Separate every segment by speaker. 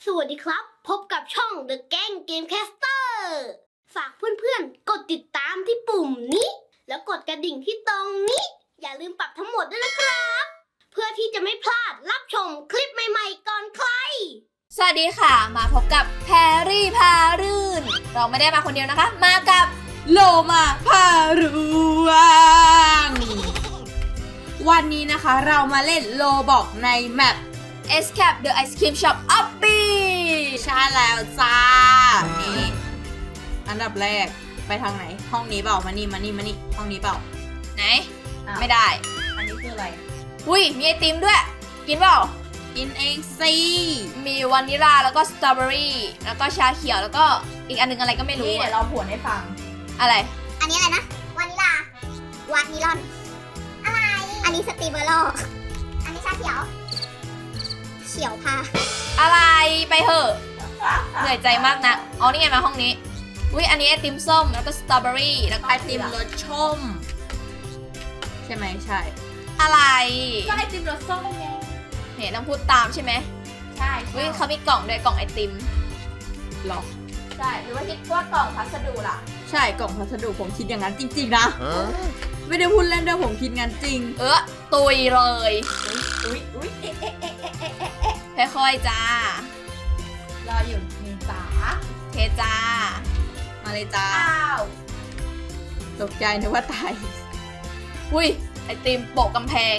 Speaker 1: สวัสดีครับพบกับช่อง The Gang Gamecaster ฝากเพื่อนๆกดติดตามที่ปุ่มนี้แล้วกดกระดิ่งที่ตรงนี้อย่าลืมปรับทั้งหมดด้วยนะครับเพื่อที่จะไม่พลาดรับชมคลิปใหม่ๆก่อนใคร
Speaker 2: สวัสดีค่ะมาพบกับแพรรี่พารื่นเราไม่ได้มาคนเดียวนะคะมากับโลมาพารวงวันนี้นะคะเรามาเล่นโลบอกในแมป Escape the Ice Cream Shop Obby ใช่แล้วจ้านี่อันดับแรกไปทางไหนห้องนี้เปล่ามานี่ห้องนี้เปล่าไหนไม่ได้
Speaker 3: อันนี้คืออะไร
Speaker 2: อุ้ยมีไอติมด้วยกินเปล่า
Speaker 3: กินเองสิ
Speaker 2: มีวานิลาแล้วก็สตรอเบอรี่แล้วก็ชาเขียวแล้วก็อีกอันนึงอะไรก็ไม่รู้
Speaker 3: นี่เดี๋ยวเราผวนให้ฟัง
Speaker 2: อะไร
Speaker 1: อันนี้อะไรนะวานิลาวานิลอนอะไรอันนี้สตรีเบอร์โลอันนี้ชาเขียวพา
Speaker 2: อะไรไปเถอะเหนื่อยใจมากนะอ๋อนี่ไงมาห้องนี้อุ้ยอันนี้ไอติมส้มแล้วก็สตรอเบอรี่แล้วก็
Speaker 3: ไอติมรสส้มใช่ไหมใช่
Speaker 2: อะไร
Speaker 3: ก็ไอติมรสส้มไง
Speaker 2: เนี่ยต้องพูดตามใช่ไหม
Speaker 3: ใช่
Speaker 2: อุ้ยเขามีกล่องด้วยกล่องไอติม
Speaker 3: หรอ
Speaker 2: ใช่หรือว่าคิดว่ากล่องพัสดุล่ะ
Speaker 3: ใช่กล่องพัสดุผมคิดอย่างนั้นจริงๆนะไม่ได้พูดเล่นด้วยผมคิดงั้นจริง
Speaker 2: ตุยเลย
Speaker 3: อุ้ย
Speaker 2: ค่อยๆจ้าร
Speaker 3: ออยู่มีจ๋า
Speaker 2: เทจ้า
Speaker 3: มาเลยจ้าตกใจนึกว่าตาย
Speaker 2: อุ้ยไอติมโปะกำแพง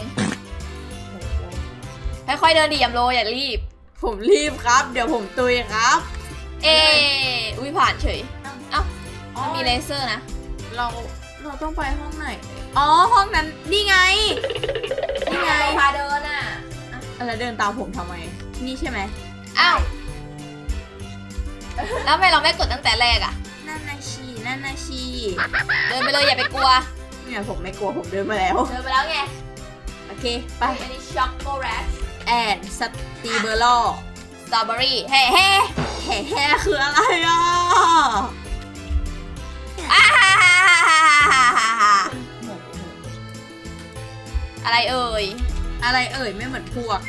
Speaker 2: ค่อยๆเดินดิยำโลอย่ารีบ
Speaker 3: ผมรีบครับเดี๋ยวผมตุยครับ
Speaker 2: อุ้ยผ่านเฉยเอ้ามันมีเลเซอร์นะ
Speaker 3: เราต้องไปห้องไหนอ๋อห้องนั้นนี่ไง
Speaker 2: พาเดินอ่ะ
Speaker 3: อะไรเดินตามผมทำไมนี่ใช่ไหม
Speaker 2: อ้าวแล้วทำไมเราไม่กดตั้งแต่แรกอ่ะ
Speaker 3: นั่นนาชีเ
Speaker 2: ดินไปเลยอย่าไปกลัว
Speaker 3: เนี่ยผมไม่กลัวผมเดินมาแล้ว
Speaker 2: ไง
Speaker 3: โอเคไป
Speaker 2: อันนี้ช็อกโกแลต
Speaker 3: แอนสตรีเบอร์โล
Speaker 2: สตรอเบอรี่เฮ้
Speaker 3: คืออะไรอ่ะ
Speaker 2: อะไรเอ่ย
Speaker 3: ไม่เหมือนพวก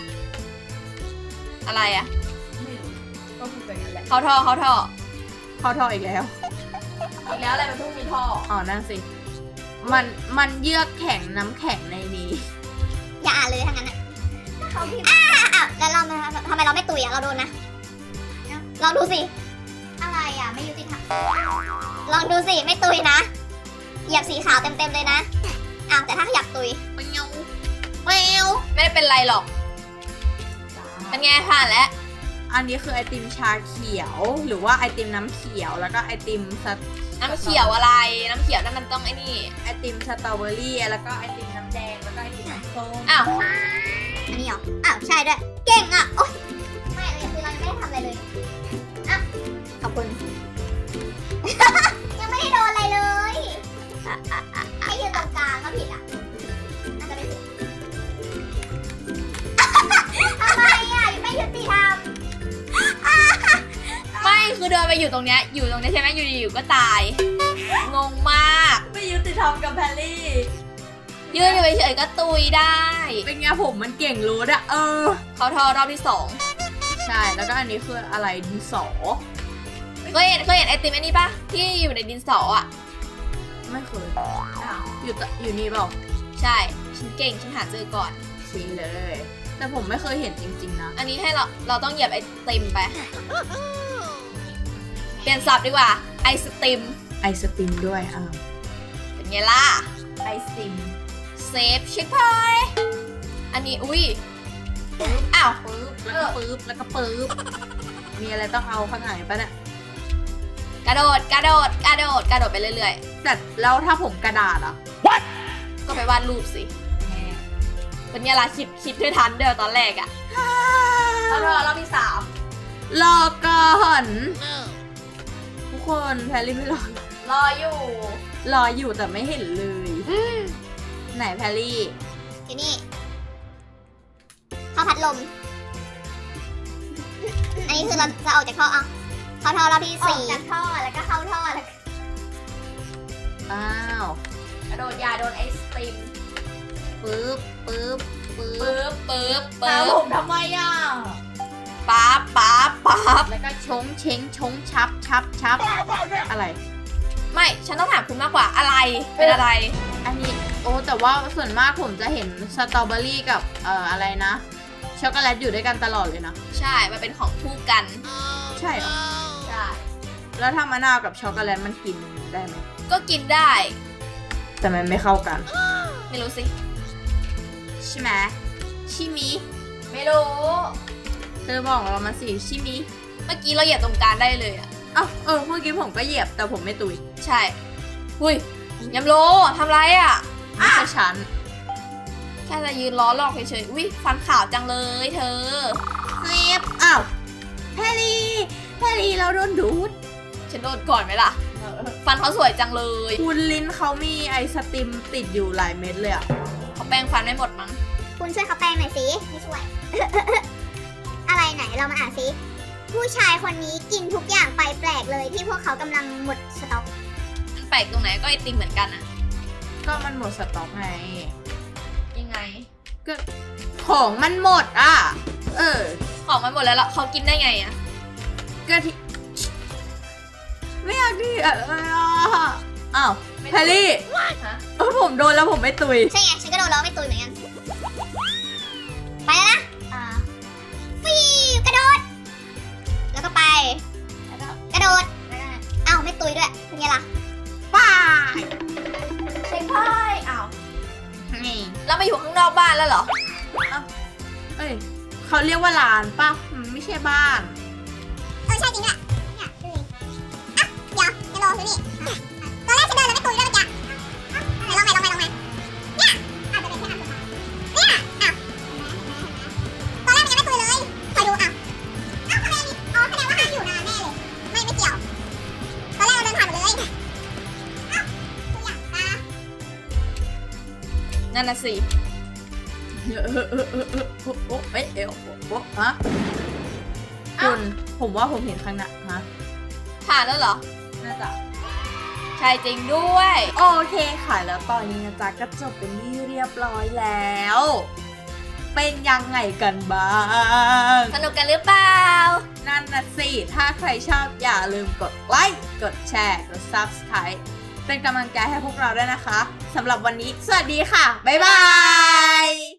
Speaker 2: อะไรอ่ะ
Speaker 3: ก็คือแบบนั้นแหละ
Speaker 2: เข้าท่อ
Speaker 3: อีกแล้ว
Speaker 2: อะไรมันเพิ่งมีท่อ
Speaker 3: อ๋อนั่นสิมันเยือกแข็งน้ำแข็งในนี้
Speaker 1: อย่าอ่านเลยทั้งนั้นอ่ะแล้วเราทำไมเราไม่ตุยอ่ะเราโดนนะลองดูสิอะไรอ่ะไม่ยุติธรรมลองดูสิไม่ตุยนะเหยียบสีขาวเต็มเลยนะแต่ถ้าอยากตุย
Speaker 3: ไม่
Speaker 2: ได้เป็นไรหรอกเป็นไงผ่านแล้ว
Speaker 3: อันนี้คือไอติมชาเขียวหรือว่าไอติมน้ำเขียวแล้วก็ไอติม
Speaker 2: น้ำเขียวอะไรน้ำเขียวนั่นมันต้องไอ้นี่
Speaker 3: ไอติมสตรอเบอรี่แล้วก็ไอติมน้ำแดงแล้วก็ไอติมน้ำส้ม
Speaker 1: อันนี้เหรอใช่ด้วยเก่งอ่ะโอ๊ยไม่เลยคือเรายังไม่ได้ทำอะไรเลยขอบคุณ ยังไม่ได้โดนอะไรเลยให้ยืนตรงกลางก็ผิดอ่ะน่าจะไม่ผิดทำไมอ่ะไม่ยุติธรรม
Speaker 2: ไม่คือเดินไปอยู่ตรงเนี้ยใช่ไหมอยู่ก็ตายงงมาก
Speaker 3: ไม่ยุติธรรมกับแพรรี่
Speaker 2: ยืนอยู่เฉยๆก็ตุยได้
Speaker 3: เป็นไงผมมันเก่งรู้อะ
Speaker 2: เขาทอรอบที่2
Speaker 3: ใช่แล้วก็อันนี้คืออะไรดินสอ
Speaker 2: เคยเห็นไอติมอันนี้ปะที่อยู่ในดินสออ่ะ
Speaker 3: ไม่เคยอยู่นี่เปล่า
Speaker 2: ใช่ฉันเก่งฉันหาเจอก่อน
Speaker 3: ชี้เลยแต่ผมไม่เคยเห็นจริงๆนะ
Speaker 2: อันนี้ให้เราต้องเหยียบไอติมไปเปลี่ยนศัพท์ดีกว่าไอสติม
Speaker 3: ด้วย
Speaker 2: เป็นไงล่ะ
Speaker 3: ไอติม
Speaker 2: เซฟเช็คพอยต์อันนี้อุ้ยอ้าว
Speaker 3: แล้วก็ปึ๊บมีอะไรต้องเอาข้างไหนปะเนี่ย
Speaker 2: กระโดดไปเรื่อย
Speaker 3: ๆแต่แล้วถ้าผมกระดาษอ่ะ
Speaker 2: What? ก็ไปวาดรูปสิเป็นไงล่ะคิดด้วยทันเดียวตอนแรกอ่ะรอบที่3
Speaker 3: รอก่อนทุกคนแพรรี่ไม่
Speaker 2: รอ
Speaker 3: อยู่แต่ไม่เห็นเลยไหนแพรรี่
Speaker 1: อยู่นี่เข้าพัดลมอันนี้คือเราจะออกจากท่อเข้าท่อรอบที่4ออกจากท่อแล้วก็เข้าท่อแล้ว
Speaker 2: กระโดดยาโดนไอศตรีม
Speaker 3: ปึ๊บ
Speaker 2: ตามผมทำไมอ่ะป๊าบปั๊บ
Speaker 3: แล้วก็ชงเช้งชงชับชับชับอะไร
Speaker 2: ไม่ฉันต้องถามคุณมากกว่าอะไรเป็นอะไร
Speaker 3: อันนี้โอ้แต่ว่าส่วนมากผมจะเห็นสตรอเบอรี่กับอะไรนะช็อกโกแลตอยู่ด้วยกันตลอดเลยนะ
Speaker 2: ใช่มันเป็นของคู่กัน
Speaker 3: ใช่เหรอ
Speaker 2: ใช่
Speaker 3: แล้วถ้ามะนาวกับช็อกโกแลตมันกินได้ไหม
Speaker 2: ก็กินได้
Speaker 3: แต่มันไม่เข้ากัน
Speaker 2: ไม่รู้สิ
Speaker 3: ใช่ไหมชิมิ
Speaker 2: ไม่รู้
Speaker 3: เธอบอกเรามาสิชิมิ
Speaker 2: เมื่อกี้เราเหยียบตรงกลางได้เลยอ่ะ
Speaker 3: อ้าวเมื่อกี้ผมก็เหยียบแต่ผมไม่ตุย
Speaker 2: ใช่หุยยำโลทำไรอ่ะ
Speaker 3: ไม่ใช่ฉัน
Speaker 2: แค่จะยืนล้อหลอกเฉยๆอุ้ยฟันขาวจังเลยเธอ
Speaker 3: เซฟอ้าวแพรรี่เราโดนดูด
Speaker 2: ฉันโดนก่อนไหมล่ะ ฟันเขาสวยจังเลย
Speaker 3: คุณลิ้นเขามีไอสติมติดอยู่หลายเม็ดเลยอะ
Speaker 2: เขาแปรงฟันไม่หมดมั้ง
Speaker 1: คุณช่วยเขาแปลงหน่อยสิไม่ช่วย อะไรไหนเรามาอ่านสิผู้ชายคนนี้กินทุกอย่างไปแปลกเลยที่พวกเขากำลังหมดสต็อก
Speaker 2: มันแปลกตรงไหนก็ไอติมเหมือนกันอ่ะ
Speaker 3: ก็มันหมดสต็อกไง
Speaker 2: ยังไง
Speaker 3: ก็ของมันหมดอ่ะ
Speaker 2: ของมันหมดแล้วเขากินได้ไงอ่ะ
Speaker 3: ก็ที่ไม่อยากดีอะไรอ่ะอ้าวแพรรี่
Speaker 2: ฮะ
Speaker 3: ผมโดนแล้วผมไม่ตุย
Speaker 1: ใช่ไงฉันก็โดนล้อไม่ตุยเหมือนกันไปแล้วนะฟีกระโดด แล้วก็ไปแล้วก็กระโดดเอ้าไม่ตุยด้วยเป็นไงล่ะ
Speaker 3: ป้าย
Speaker 2: เช็คไพ่อ้าว
Speaker 3: นี่
Speaker 2: เรามาอยู่ข้างนอกบ้านแล้วเหรอ
Speaker 3: เขาเรียกว่าลานป่ะมันไม่ใช่บ้าน
Speaker 1: ใช่จริงด้วยเนี่ยดูดิอ่ะเดี๋ยวจะลองดูนี่ตอนแรกฉันเดินแล้วไม่ตุยด้วยเมื่อกี้ลองใหม่เนี่ยอาจจะเป็นแค่อันสุดท้ายเนี่ยตอนแรกมันยังไม่ตุยเลยคอยดูทำไมแสดงว่าห้ามอยู่นานแน่เลยไม่เกี่ยวตอนแรกเราเดินผ่านหมดเลยตัวอย่างตา
Speaker 2: นั่นน่ะสิ
Speaker 3: ฮะคุณผมว่าผมเห็นข้างหน้าฮะ
Speaker 2: ผ่านแล้วเหรอ
Speaker 3: น่าจะ
Speaker 2: ใช่จริงด้วย
Speaker 3: โอเคค่ะแล้วตอนนี้นะจ๊ะก็จบเป็นที่เรียบร้อยแล้ว เป็นยังไงกันบ้าง
Speaker 2: สนุกกันหรือเปล่า
Speaker 3: นั่นนะสิ ถ้าใครชอบอย่าลืมกดไลค์ กดแชร์ กด Subscribe เป็นกำลังใจให้พวกเราด้วยนะคะ สำหรับวันนี้ สวัสดีค่ะ บ๊ายบาย